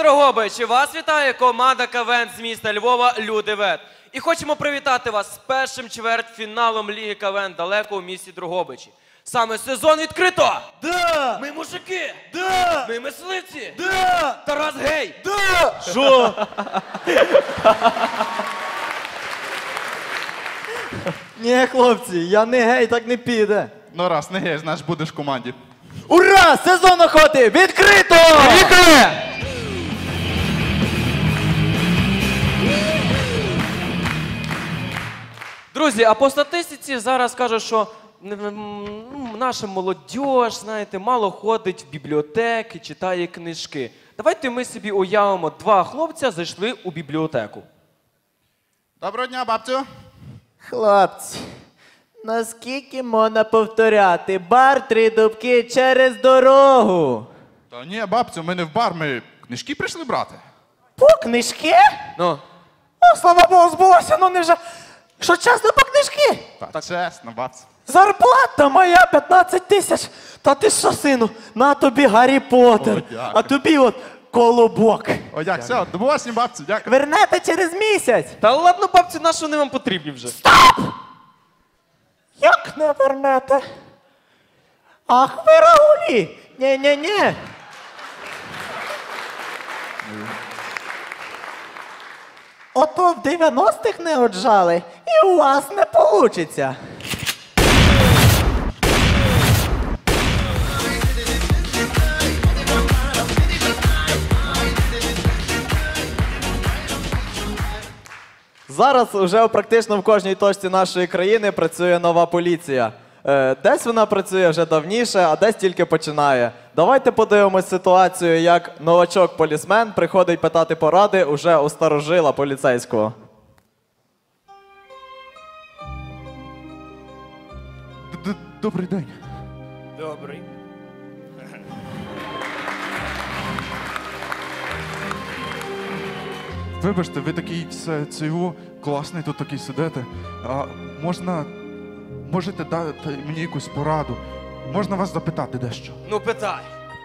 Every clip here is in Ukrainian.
Дрогобичі, вас вітає команда КВН з міста Львова «Люди-вет». І хочемо привітати вас з першим чвертьфіналом Ліги КВН далеко у місті Дрогобичі. Саме сезон відкрито! Да! Ми мужики! Да! Ми мисливці! Да! Тарас гей! Да! Що? Ні, хлопці, я не гей, так не піде. Ну раз, не гей, значить будеш в команді. Ура! Сезон охоти відкрито! Поїхали! Друзі, а по статистиці зараз кажуть, що наша молодь, знаєте, мало ходить в бібліотеки, читає книжки. Давайте ми собі уявимо, два хлопця зайшли у бібліотеку. Доброго дня, бабцю. Хлопці, наскільки можна повторяти? Бар три дубки через дорогу. Та ні, бабцю, ми не в бар, ми книжки прийшли брати. По книжки? Ну, О, слава Богу, збулося, ну не вже. Що чесно, по книжки? Так, чесно, бабцю. Зарплата моя 15 тисяч. Та ти що, сину, на тобі Гаррі Поттер, О, дякую. а тобі от колобок. О, як, все, до побачення, бабцю, дякую. Вернете через місяць. та ладно, бабці, на що вони вам потрібні вже? Як не вернете? Ах, ви рагулі! Ні-ні-ні. Ото в 90-х не отжали, і у вас не получиться. Зараз вже практично в кожній точці нашої країни працює нова поліція. Десь вона працює вже давніше, а десь тільки починає. Давайте подивимось ситуацію, як новачок-полісмен приходить питати поради уже у старожила поліцейського. Добрий день. Добрий. Вибачте, ви такий цього класний тут такий сидите. А можете дати мені якусь пораду? Можна вас запитати дещо? Ну, питай.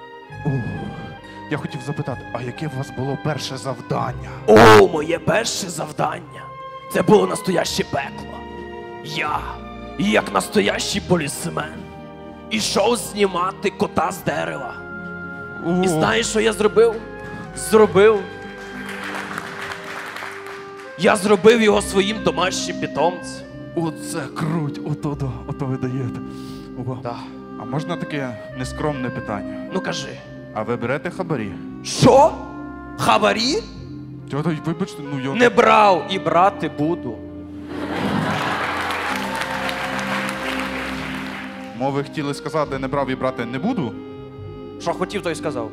Я хотів запитати, а яке у вас було перше завдання? О, моє перше завдання. Це було настояще пекло. Я, як настоящий полісмен, ішов знімати кота з дерева. І знаєш, що я зробив? Я зробив його своїм домашнім питомцем. Оце круть, ото ви даєте. Ого. Так. А можна таке нескромне питання? Ну кажи. А ви берете хабарі? Що? Хабарі? Тьота, вибачте, ну я... Не брав і брати буду. Ви хотіли сказати, не брав і брати не буду? Що хотів, то й сказав.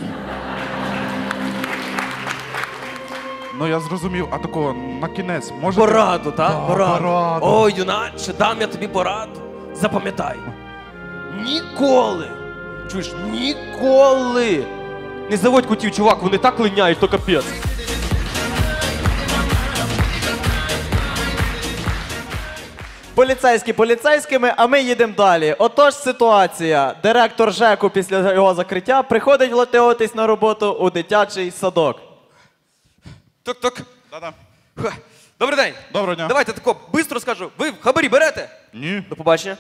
Ну я зрозумів, а такого на кінець можете... Пораду, так? Да, Пораду. пораду. Ой, юначе, дам я тобі пораду. Запам'ятай. Ніколи, чуєш, ніколи не заводь котів, чувак, вони так линяють, то капець. Поліцейські поліцейськими, а ми їдемо далі. Отож ситуація. Директор ЖЕКу після його закриття приходить влаштовуватись на роботу у дитячий садок. Тук-тук. Да-да. Добрий день. Доброго дня. Давайте тако, бистро скажу. Ви хабарі берете? Ні. До побачення.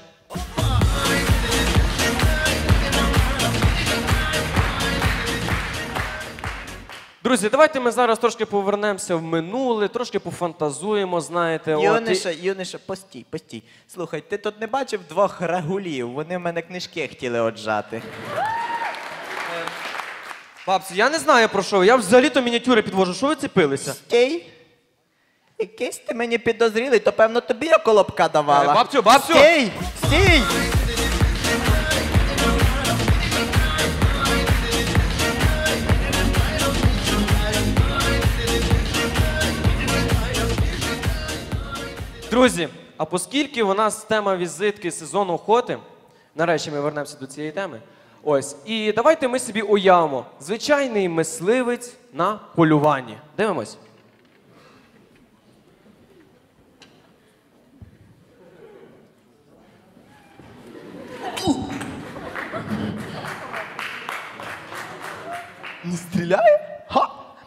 Друзі, давайте ми зараз трошки повернемося в минуле, трошки пофантазуємо, знаєте. Юнише, постій. Слухай, ти тут не бачив двох рагулів? Вони в мене книжки хотіли отжати. Бабці, я не знаю про що ви. Я взагалі-то мініатюри підвожу. Що ви цепилися? Стій. Якийсь ти мені підозрілий, то певно тобі я колобка давала. Бабцю! Стій! Друзі, а оскільки у нас тема візитки сезону охоти, нарешті ми вернемося до цієї теми, ось, і давайте ми собі уявимо. Звичайний мисливець на полюванні. Дивимось. Не стріляє? Ха!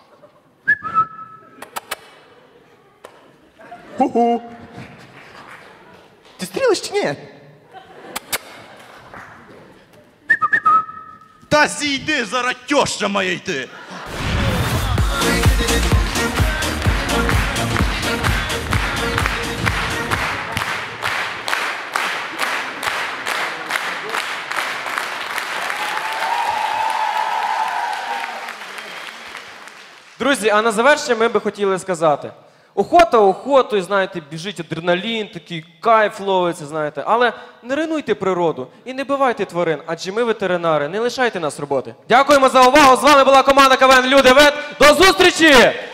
Ху-ху! Ти стрілиш чи ні? Та зійди, зараз тьоща має йти. Друзі, а на завершення ми би хотіли сказати. Охота охотою, знаєте, біжить адреналін, такий кайф ловиться, знаєте. Але не руйнуйте природу і не бивайте тварин, адже ми ветеринари, не лишайте нас роботи. Дякуємо за увагу, з вами була команда КВН Люди Вет. До зустрічі!